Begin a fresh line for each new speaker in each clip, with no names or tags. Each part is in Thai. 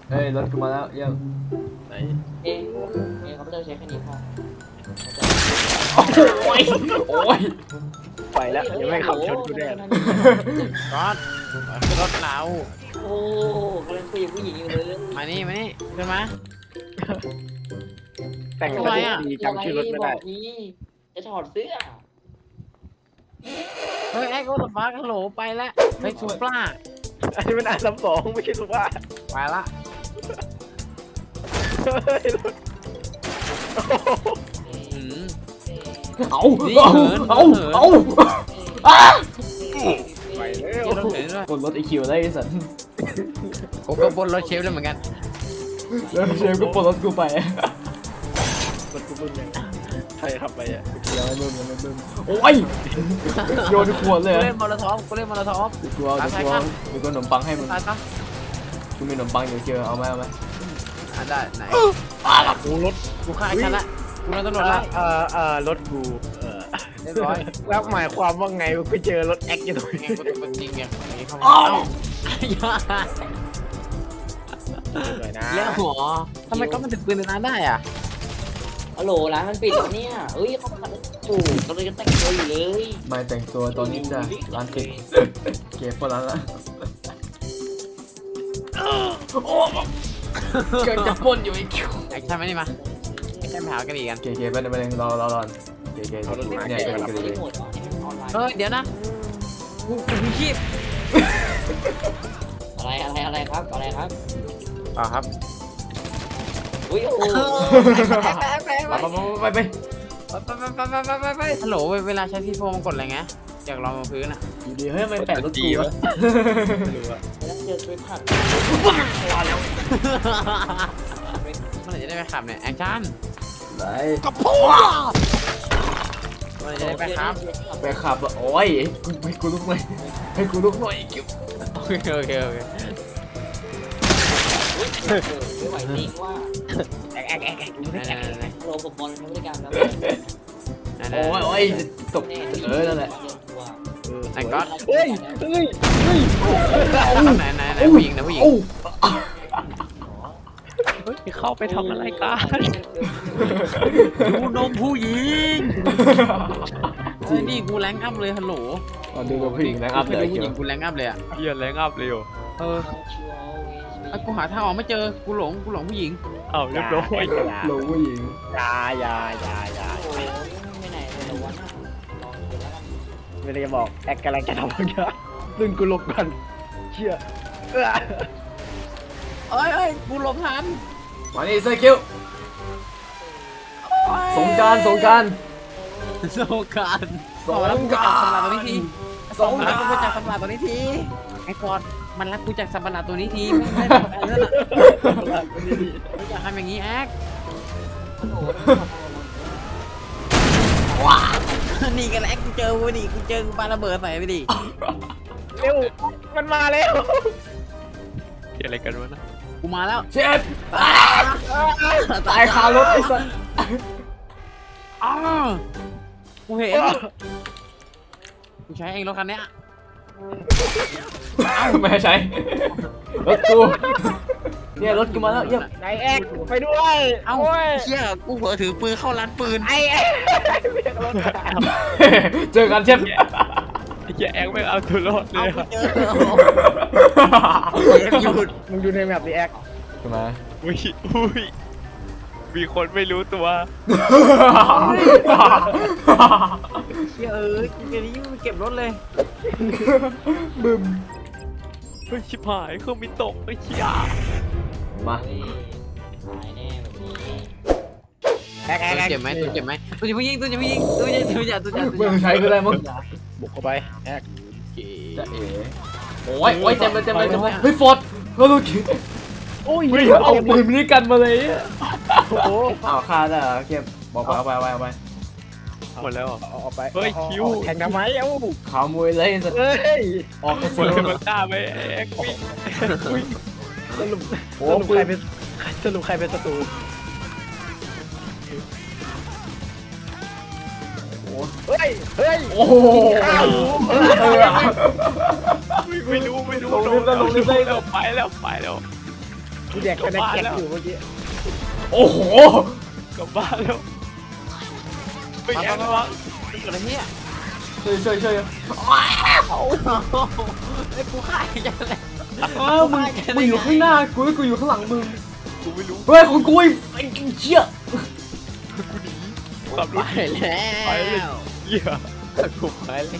เฮ้ยรถกูมาแล้วเยี่ยม
ไหน
เอ๊ะคอมพิวเตอร์ใช้แค่นี้พอ
โอ้ยโอ้ย
ไปแล้วยังไม่ขับชนกูแน่
รถรถเรา
โอ้กำลังคุยกับผู้หญิงอยู่เลย
มานี่ขึ้นมา
แต่งรถดีจำชื่อรถไม่ได้
บอกนี่จะถอดเสื้อ
เฮ้ยไอ้กูสปาร์คฮัลโหลไปแล้วเฮ้ยซูปรา
อันนี้มันR32ไม่ใช่สุภาพ
ไปละ
เฮ้ยรถ
อืม
เอาอ้า
ไปแล้
เดี๋ยว
ว
รถเข็นด้วย
บนรถไอคิวได้ไอ้สัน
ผมก็บนรถเชฟแล้วเหมือนกัน
แล้วเชฟก็ปลดรถกูไป
รถกูบึ้มยังใครขับไปอ่ะ
ยังไม่บึ้มโอ้ยโยนขวดเลย
กูเล่นมอลโทอฟกูเล่นมอลโทอฟ
กลัวมีขนมปังให้มึง
ตายซะ
กูมีขนมปังอยู่เชียวเอาไหม
ได้ไหน
กูรถ
กูฆ่าไอ้ฉันละกูโดนตำรวจละ
รถกู
เรียบร้อย
แล้วหมายความว่าไงไปเจอรถแอคอยู่ตรงนี้
กูเป็นจริงไงนี่เข้ามา
อ้าว
หน่อยนะ
แล้วหัวทำไมก็มันถึงปืนในนั้นได้อ่ะ
ฮัลโหลร้านมันปิดแล้วเนี่ยเอ้ยเขาขับถูกก็เลยจะแต่งตัวอยู่เลย
มาแต่งตัวตอนนี้จ้ะร้านปิดเก็บพอร้านละโอ้เกิดจะพ่นอยู่ไอ้คิว
ไอ้ฉันไม่ได้มาไอ้ฉันไปหากระดี่กัน
เก๋ๆไปเลยรอเก๋ๆเนี่ย
ไม่
เก๋
ได้
ๆ
หมดหรอให้มันออนไลน์
เฮ้ยเดี๋ยวนะกูมีชีพ
อะไรครับอะไรครับ
เปล่าครับ
อุ้ยโอ้
ไป
ฮัลโหลเวลาใช้ซีโฟมันกดอะไรไงจากรองบนพื้นอ่ะ
อยู่ดีเฮ้ยมันแปะรถกูวะ
ไม่รู้อะ
แล้วเจอตัวผัก
เมื่อไหร่จะได้ไปขับเนี่ยแอคชั่น
ไหน
เมื่อไหร่จะได้ไปขับ
ไปขับอ่ะโอ้ยให้กูลุกหน่อยให้กูลุกหน่อยคิว
โอเค
ไม่ไหวจริงว่า
แอค
ไหน
โรบอลใช้บริการแล้ว
โอ้ยตกนั่นแหละ
ไหนก็
เฮ้ย
ไหนผู้หญิงนะผู้หญิง
โอ้
เฮ้ยเข้าไปทำอะไรกัน
ดูนมผู้หญิงนี่กูแรงอัพเลยฮัลโหล
ดูผู้หญิงแล้วอัพเลย
ผู้หญิงกูแรงอัพเลยอ่ะ
เฮียแรงอัพเลยเหรอ
กูหาทางออกไม่เจอกูหลงผู้หญิง
เอ้าเรียบร้อย
ลงผู้หญิง
ยา
โอ้ไม่ไหนเลยวันลองดูแล้วกัน
ไม่ได้จะบอกแอคกำลังจะทำอะไรกันดึงกูหลบกันเชี่ย
เอ้ยกูหลบทัน
มานี่เซอร์คิวสงการ
สงการ
สงกรานต์
สำหรับกูจากสัมปราตัวนี้ทีไอ้กอดมันรักกูจากสัมปราตัวนี้ทีไม่ได้แบบนั้นอ่ะไม่อยากทำอย่างนี้แอ๊ก
ว้า
นี่กันแอ๊กกูเจอกูดิกูเจอกูปาระเบิดใส่ไปดิ
เร็วมันมาแล้วอะไรกันวะนะ
กูมาแล้ว
เชฟตายคารถไอ้สัส
อ้าวกูเห็นกูใช้เองรถคันเนี้ย
ไม่ใช่รถกูเนี่ยรถกูมาแล้วเยี่ยม
นายแอคไปด้วย
เอ้าเชี่ยกูเผลอถือปืนเข้าร้านปืน
ไอ้แอคเรียกรถ
เจอกันเชฟ
ไอ้เหี้ยแอคไม่เอาตัวรอดเล
เอา
ย
กูเจอหยุด
มึงดูในแมปดิแอค
ขึ้นมา
อุ้ยมีคนไม่รู้ตัว
เชี่ยกูเจอนี้มึงเก็บรถเลย
บึ้ม
เฮ้ยชิบหายเครื่องบินตกไอ้เหี้ย
มา
ตายแน่แบบนี้
แอค
เจ็บไหมตัวเจ็บไหมตัวจะผู้หญิงตัวจะ
ไม่ต้องใช้ก็ได้มั้ง
บุกเข้าไปแอค
จะเอ๋โอ้ยเต็มเลยเฮ้ยฟอร์ดเราดูคิด
โอ้ย
เอาปืนมินิกันมาเลย
โอ้โห
อ้าวฆ่าได้เหรอเก็บบอกเอาไป
หมดแล้วเหรอ
เอาไป
เฮ้ยคิว
แข่งทำไมเอ้า
ขาวมวยเลยสัตว์
เฮ้ย
ออกกระ
ค
สุ
น
น
กำลังฆ่าไปแอ็กวิ่ง
สรุป
โอ้
ใครเป็นใครเป็นศัตรู เฮ้ย
โอ้โห
ไม่รู้
ลงลิฟต์แล้ว
ไปแล้ว
กูแดกคะแนนแจกอยู่เมื่อกี้
โอ้โห
กลับบ้านแล้วไปแอบวะ
เกิดอะไรเนี่ย
ช่วย
ไอ้กูฆ่าอีกแล้วแหละ
อ้าวมึงอยู่ข้างหน้ากูแล้วกูอยู่ข้างหลังมึง
กูไม่รู้
เฮ้ยของกูไอ้เชี่ย
กูหนีขับร
ไป
ถ
แล้ว
ไปเลยเหี้ย
กูไปเลย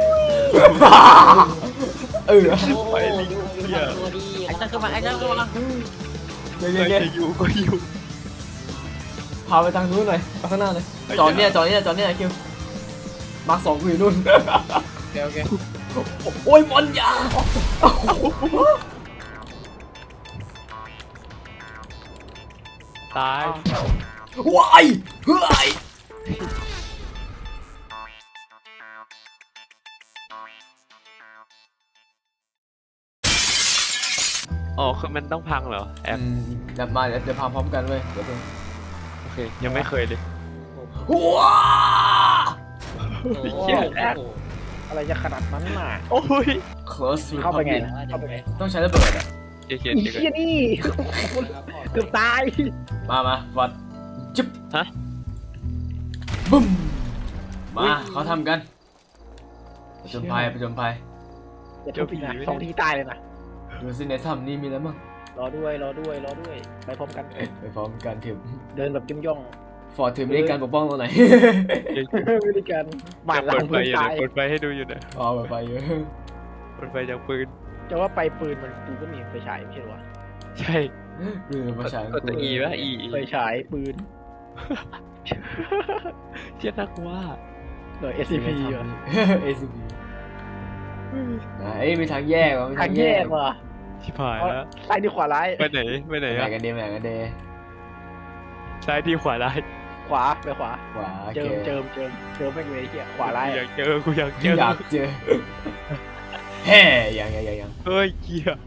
เออ
โอ้ยดูตัวดี
ไอ้เจ้าขึ้นมาไอ้เจ้าขึ้นมา
เย้
ใครจะอยู่ก็อยู่
พาไปทางนู้นหน่อยไปข้างหน้าเลยจอดเนี่ยคิวมาร์ค2กูอยู่นู่น
โอเค
โอ้ยบอลยา
ตาย
ว้ายเฮ้ย
อ๋อคือมันต้องพังเหรอแอป
เดี๋ยวมาเดี๋ยวพาพร้อมกันเว้ยเดี๋ยว
โอเคยังไม่เคยเลย
ว้า
เหี้ยแอป
อะไรจะขนาดนั้นน่ะ
โอ้ย
close
เข้าไปไง
Republic
นะเข้าไปไง
ต้องใช้ระเบิดอ่ะ
เจ๊เขียน
อี
เจ๊
เชี่ยนี่เกือบตาย
มาวัดจิ๊บ
ฮะ
บึ้มมาเขาทำกันประจนภัย
อย่าทุบอีกนะ2 ทีตายเลยนะ
ดูสิในถ้ำนี่มีอะไรบ้าง
รอด้วยไปพร้อมกัน
ไปพร้อมกันถึง
เดินแบบจิ้มย่อง
ฟอร์ดถึงในการปกป้องเราไหน
วิธีการบาดหลั
เปิ
ง
ดไฟ
มือ
อยู่
ตา
นะ
ย
เปิดไฟให้ดูอยู่นะ
อ๋อไปเยอะ
เปิดไฟจากปืน
จะว่าไปปืนมันกูก็มีไฟฉายไม่ใช่หรอวะ
ใช่
คือมาฉาย
กดตัว E ป่ะ E
ไฟฉายปืน
เชี่ยน่ากลัว
หน่วย SCP เหรอ
SCP เอ้ยมีทางแยกว่ะมี
ทางแยกว่ะ
ชิบหายแล้ว
ซ้ายดีขวาร้าย
ไปไหนไปไหน
แบ่
อะ
งกันดีแบ่งกันดี
ซ้ายดีขวาร้าย
ขวาไปขวา
ขวาโอ
เจิ
เค
มแม่งเลยเหี้ยขวาร้าย
กูอยากเจอกูอยากเจอ
อยากเจอเฮ้ยัง
เฮ้ยเกีย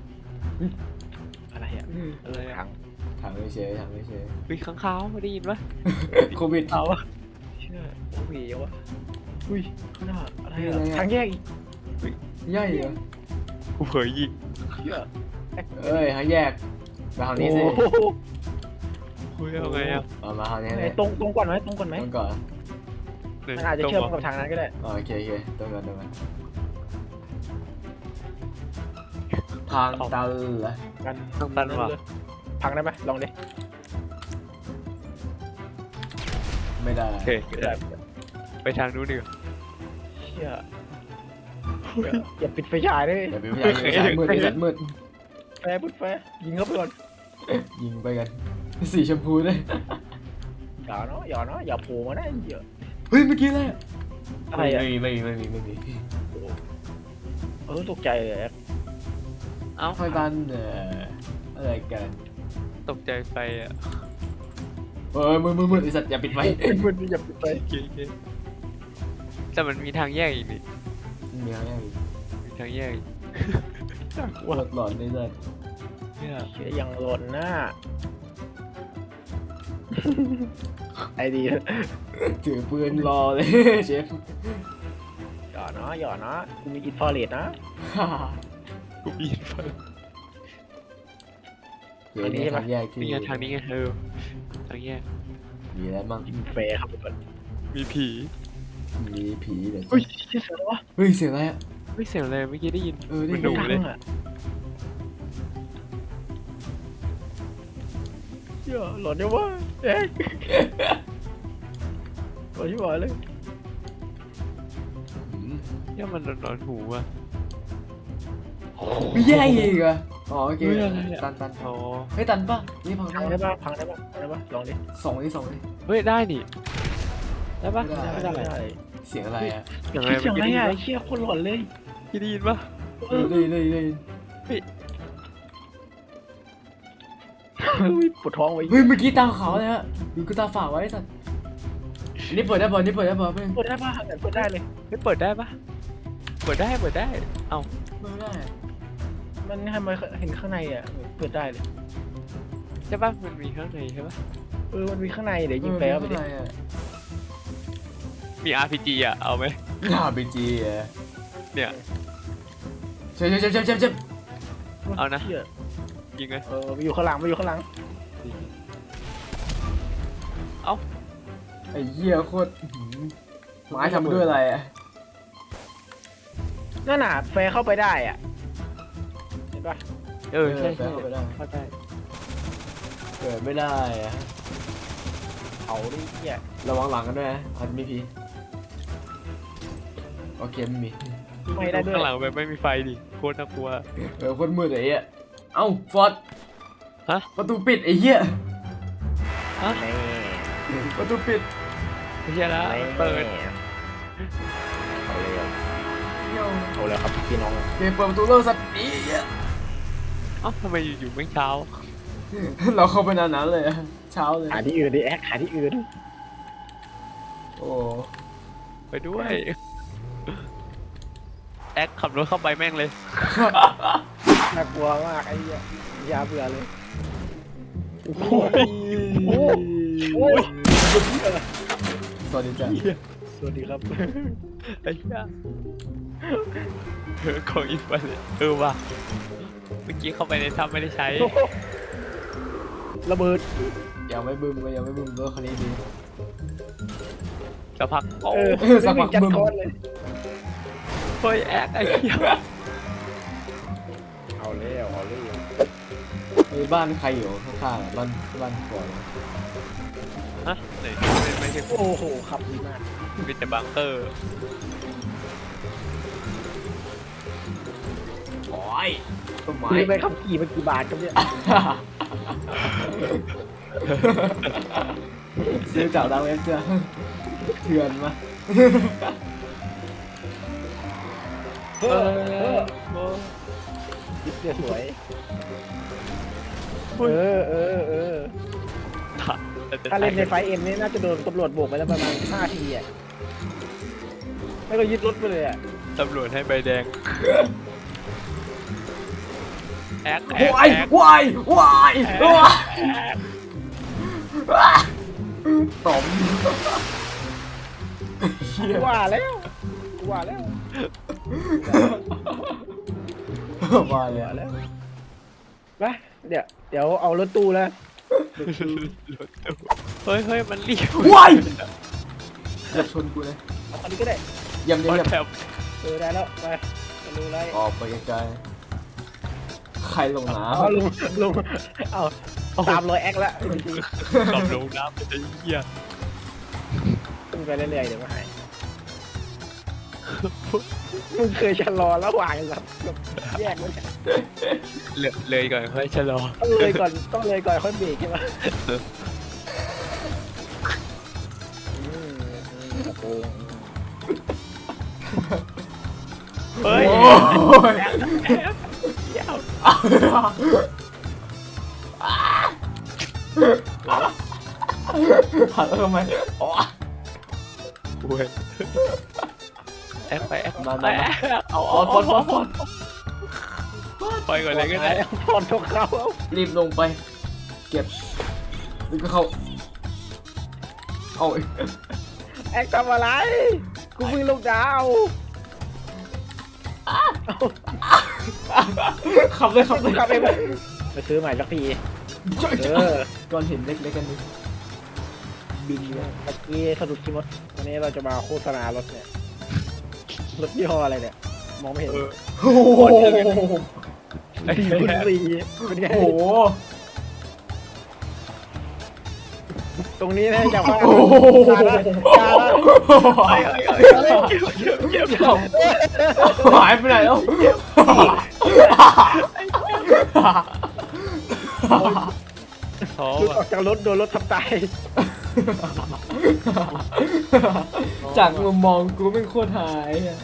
อะไรอ่ะ
อะไรอะ
ทางไม่เฉย
วิข้างขาวไม่ได้ยินปะ
โควิด
เอาวะ
เชื่อโอ้ยวะอุ้ยข้างหน้าอะไร
อะไร
อ่ะ
อะ
ทางแยกอีก
ใหญ่เหรอ
กูเผยยิง
เชื่อ
เอ้ยทางแยกไปทางนี้สิ
โอ้โห
คุยเอาไงอะ
มาทางนี้
ไหน
เลย
ตรงก่อนไหมตรงก่อนไหม
ต้องก่อน
มันอาจจะเชื่อมกับทางนั้นก็ได้
โอเคต้องก่อนทางตันเหรอ
กัน
ทางตันว่ะ
พังได้ไหมลองดิ
ไม่ได้
โอเคไปทางนู้นดีกว่า
เชื่ออย่าปิดไฟฉายเลย
เดี๋ยวไปพยายามมืดไอ้สัตว์มืด
แฟร์พุดแฟร์ยิงเข้าไปก่อน
ยิงไปกันสีชมพูด้วย
อย่าเนาะอย่าโผล่มาได้เยอะ
เฮ้ยเมื่อกี้อะไร
อะไรอ่ะ
ไม่มี
ตกใจเลย
เอ้า
ทางตันอะไรกัน
ตกใจไฟอะ
มืดไอ้สัตว์อย่าปิดไฟ
มันอย่าปิดไฟ
โอเคแต่มันมีทางแยกอีกนี่
มีอะไรอีก
มีทางแยกอีก
ปวดหลอนไอ้สัตว์
เนี่ย
เชื่อยังหล่นหน้าไอดี
ถือปืนรอเลยเชฟ
อย่านะกูมีอินฟราเรดนะ
กูปีนไฟ
เดี๋ยวนี้ทางแยกที่
นี่ไงทางนี้ไงทางแยก
มีอะไรบ้าง
อินแฟร์ครับทุกคน
มีผี
มีผีเดี๋ยว
เฮ้ยเชื่อแล้ววะ
เฮ้ยเสียงอะไรอ่ะ
ไม่เสียงอะไรเมื่อกี้ได้ยิน
ได้
มัน
ยิ
ดุ
น
เลย
อ่ะเชื่อหลอนยังวะเอ๊ะหลอนที่บ่อยเลย
เนี่ยมันนอนหูอ่ะ
มีแยกอีกเหรออ๋อโอเค
เฮ้ยอะไรอะ
ตัน
อ๋อ
เฮ้ยตันป่ะนี่พัง
พัง
ได้
ได้
ปะ
ปะพังได้ปะลองดิ
สองนี่
เฮ้ยได้นี่ได้ปะ
ไม่ได้
ได้
เสียงอะไรอ่ะ
อย่างไร
เสียง
เมื่อ
อะไร
กี้ได้
อ่ะ
ยิน
เชี่ยคนหลอนเลย
ได้ยินปะ
ได้ยิน
ปวดท้องไว้
เฮ้ยเมื่อกี้ตาขาวเลยฮะดูกูตาฝาดไว้สัตว์อันนี้เปิดได้ป่ะเพื่อน
เปิดได้ปะเปิดได้เลย
ไม่เปิดได้ปะเปิดได้เอ้า
ไม่ได้
มันทำไมเห็นข้างในอ่ะเปิดได้เลย
ใช่ปะมันมีข้างในใช่ปะ
มันมีข้างในเดี๋ยวยิงแฟร์ไปดิ
มี RPG อ่ะเอาไหม
ไปจีอ่ะ
เนี่ย
เจ็บ
เอานะ
เชี่ย
ยิงไง
มาอยู่ข้างหลังมาอยู่ข้างหลัง
เอ้า
ไอ้เหี้ยโคตรไม้ทำด้วยอะไรอ่ะ
นั่นน่ะแฟร์เข้าไปได้อ่ะเห็นปะ
ใช่
แฟนเข้าไปได้
เข้าใจ
เกิดไม่ได้อะ
เอาดิเหี้ย
ระวังหลังกันด้วยนะอาจจะมีพีโอเคไม่มี
ไม่ได้ด้วย
ข้างหลังแบบไม่มีไฟดิโคตรน่ากลัว
โคตรมืดไอ้เหี้ยเอ้าฟอร์ด
ฮะ
ประตูปิดไอ้เหี้ย
นี่
ประตูปิด
ไม่ใช่แล้วเปิด
เอาเลยเอาเลยครับพี่น้อง
เกมเปิดประตูเริ่มสัตว์นี้เหี้ย
เอ้าทำไมอยู่ๆไม่เช้า
เราเข้าไปนานๆเลยอะเช้าเลย
หาที่อื่นดิแอคหาที่อื่น
โอ้
ไปด้วยแอคขับรถเข้าไปแม่งเลย
น่ากลัวมากไอ้เหี้ยยาเบื่อเลย
โอ้ยสวัสดีจ้ะ
สวัสดีครับ
ไอ้เหี้ยของอีกไปเลยว่ะเมื่อกี้เข้าไปในถ้ำไม่ได้ใช้
ระเบิด
ยังไม่บึ้มก็ยังไม่บึ้มรถคันนี้ดี
จะพักโอ้
สักพัก
จัด
บึ้ม
ก้อนเลย
เฮ้ยแอคไอ้เหี้ย
เอาแล้วเอาเลย
มีบ้านใครอยู่ข้างๆอะบ้านก่อน
ฮะไหนไม่ใช่
โอ้โหขับดีมาก
มีแต่บังเกอร์
โอ้ยต้นไม้
ซื้อไปขับขี่มันกี่บาทครับเนี่ย
ซื้อจากดังเว็บเสื้อเถื่อนมา
เออยิบเสื้อสวยถ้าเล่นในไฟเอ็มนี่น่าจะโดนตำรวจโบกไปแล้วประมาณ5 ทีอ่ะไม่ก็ยึดรถไปเลยอ่ะ
ตำรวจให้ใบแดงแอค
วายวายวายวายตอมเหี้ย
ว่าแล้วว่าแล้ว
มาเลย
ว่า
อะ
แล้วไปเดี๋ยวเอารถตู้แล้ว
เฮ้ยมันรีบ
วายเกือบชนกูเลย
เอาคันนี้ก็ได้
เยี่ยมเยี่ยมเยี่ยม
แถบ
ได้แล้วไปจะรู้ไร
ออกไปไกลๆใครลงน้
เอาลุงเอาตามรอยแอคแล้ว
ขับลงน้ำไปไอ้เหี้ย
ขึ้นไปเรื่อยๆเดี๋ยวมาหายมึงเคยชะลอระหว่างแบบแยกมัน
เลยก่อนค่อยชะลอ
ต้องเลยก่อนค่อยเบรกใช่ไหมโอ้โห
ำ
เฮ้ย
โอ้ยหันแล้วทำไมอ๋อ
เว้ยแอคไปแอค
มา
ไปเอา
ฟอนฟอน
ไปก่อนเลยก็ได้
พอนทกเขา
รีบลงไป เก็บแล้วก็เข้าเอา
แอคทำอะไรกูเพิ่งลงดาว
ขับเลยขับเลย
ขับไปไปซื้อใหม่สักที
ก้อนหินเล็กๆกันดิบินเลย
เมื่อกี้สะดุดคิมดวันนี้เราจะมาโฆษณารถเนี่ยรถยี่ห้ออะไรเนี่ยมองไม่เห็น
โอ้โห
4x4เป็นไง
โอ้โห
ตรงนี้นะจากว่า
โอ้โห
จาละ
หายไปไหนแล้ว
ท้อ
หลุด
ว่ะ
ออกจากรถโดนรถทับตาย
จากมุมมองกูเป็นโคตรหายอะ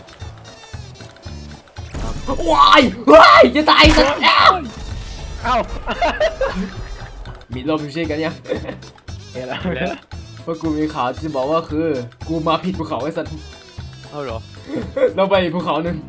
ว้ายว้ายจะตายสักแล้ว
เอ้า
มีลมอยู่ใช่กันยัง
เห็นแล้ว
แล้ว
เพราะกูมีข่าวที่บอกว่าคือ กูมาผิดภูเขาไอ้สัตว์
เอาเหรอ
เราไปอีกภูเขาหนึ่ง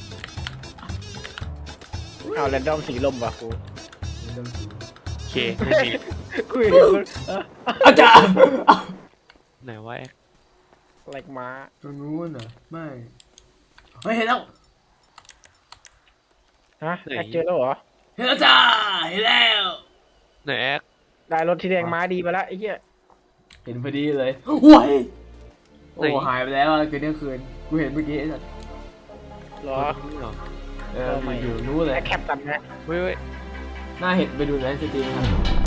เอาแรนดอมสีลมว่ะกู
โอเคไม่มี
คุยกับคน
อาจารย์
ไหนว่าแอค
แหลกม้า
ตรงนู้นอ่ะไม่เฮ้ยเห็นแล้ว
ฮะแอคเจอแล้วเหรอ
เห็นแล้วจ้าเห็นแล้ว
ไหนแอ๊ก
ได้รถที่แดงม้าดีมาแล้วไอ้เหี้ย
เห็นพอดีเลยว้ายโอ้หายไปแล้วอะเกินเที่ยงคืนกูเห็นเมื่อกี้ไอ้สัส
เหรอ
เหรอ
อยู่นู้นเลย
แอคแคปกันนะ
เว้ย
น่าเห็นไปดูในสตรีมครับ